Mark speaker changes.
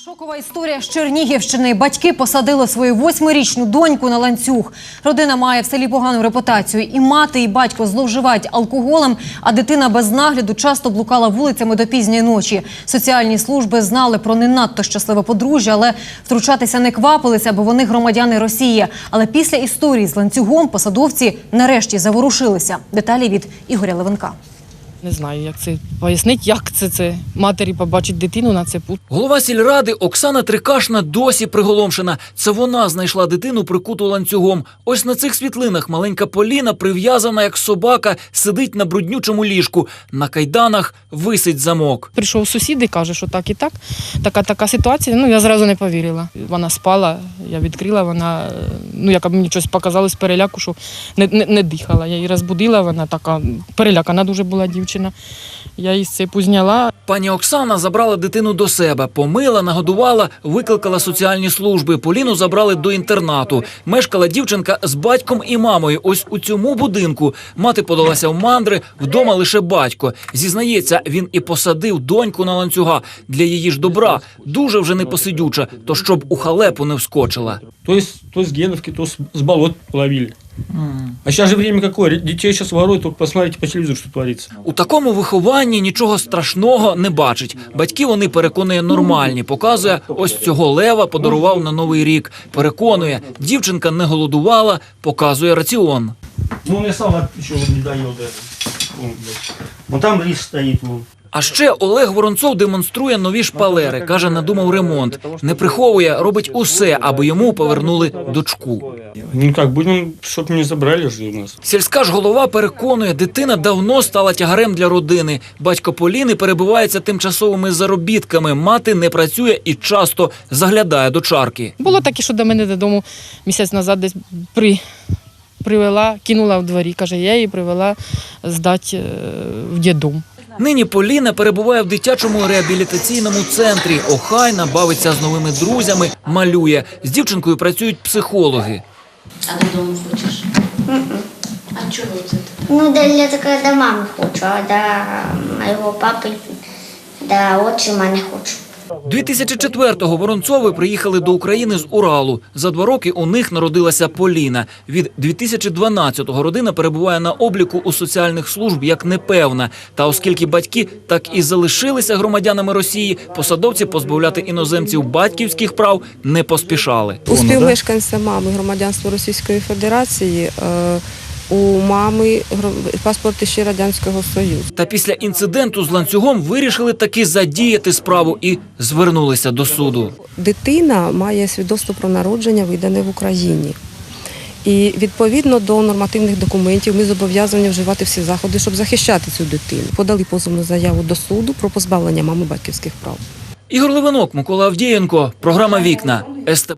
Speaker 1: Шокова історія з Чернігівщини. Батьки посадили свою 8-річну доньку на ланцюг. Родина має в селі погану репутацію. І мати, і батько зловживають алкоголем, а дитина без нагляду часто блукала вулицями до пізньої ночі. Соціальні служби знали про не надто щасливе подружжя, але втручатися не квапилися, бо вони громадяни Росії. Але після історії з ланцюгом посадовці нарешті заворушилися. Деталі від Ігоря Левенка.
Speaker 2: Не знаю, як це пояснити, як це матері побачить дитину на цепу.
Speaker 3: Голова сільради Оксана Трикашна досі приголомшена. Це вона знайшла дитину прикуту ланцюгом. Ось на цих світлинах маленька Поліна, прив'язана як собака, сидить на бруднючому ліжку. На кайданах висить замок.
Speaker 2: Прийшов сусід і каже, що так і так. Така ситуація. Я зразу не повірила. Вона спала, я відкрила, вона, як мені щось показало з переляку, що не дихала. Я її розбудила, вона така перелякана дуже була дівчина. Я її з цепу зняла.
Speaker 3: Пані Оксана забрала дитину до себе, помила, нагодувала, викликала соціальні служби. Поліну забрали до інтернату. Мешкала дівчинка з батьком і мамою ось у цьому будинку. Мати подалася в мандри, вдома лише батько. Зізнається, він і посадив доньку на ланцюга. Для її ж добра. Дуже вже непосидюча, то щоб у халепу не вскочила.
Speaker 4: То с Геновки, то с болот ловили. А сейчас же время какое? Детей сейчас воруют, только посмотрите по телевизору, что творится.
Speaker 3: У такому вихованні нічого страшного не бачить. Батьки вони, переконує, нормальні. Показує, ось цього лева подарував на Новий рік. Переконує, дівчинка не голодувала, показує раціон.
Speaker 4: Ну, я сам еще не доел даже. Вон там рис стоит. Вон.
Speaker 3: А ще Олег Воронцов демонструє нові шпалери. Каже, надумав ремонт. Не приховує, робить усе, аби йому повернули дочку.
Speaker 4: Ну как, будем, чтобы не забрали же у нас.
Speaker 3: Сільська ж голова переконує, дитина давно стала тягарем для родини. Батько Поліни перебувається тимчасовими заробітками. Мати не працює і часто заглядає до чарки.
Speaker 2: Було таке, що до мене додому місяць назад десь привела, кинула в дворі. Каже, я її привела здати в дитдом.
Speaker 3: Нині Поліна перебуває в дитячому реабілітаційному центрі. Охайна, бавиться з новими друзями, малює. З дівчинкою працюють психологи.
Speaker 5: А додому хочеш? А чого це?
Speaker 6: Ну, для такого до мами хочу, а до моего папы, до отчима не хочу.
Speaker 3: 2004-го Воронцови приїхали до України з Уралу. За 2 роки у них народилася Поліна. Від 2012-го родина перебуває на обліку у соціальних служб як непевна. Та оскільки батьки так і залишилися громадянами Росії, посадовці позбавляти іноземців батьківських прав не поспішали.
Speaker 7: У співмешканця мами громадянства Російської Федерації у мами паспорт ще Радянського Союзу.
Speaker 3: Та після інциденту з ланцюгом вирішили таки задіяти справу і звернулися до суду.
Speaker 7: Дитина має свідоцтво про народження, видане в Україні. І відповідно до нормативних документів ми зобов'язані вживати всі заходи, щоб захищати цю дитину. Подали позовну заяву до суду про позбавлення мами батьківських прав.
Speaker 3: Ігор Левенок, Микола Авдієнко, програма «Вікна», СТ.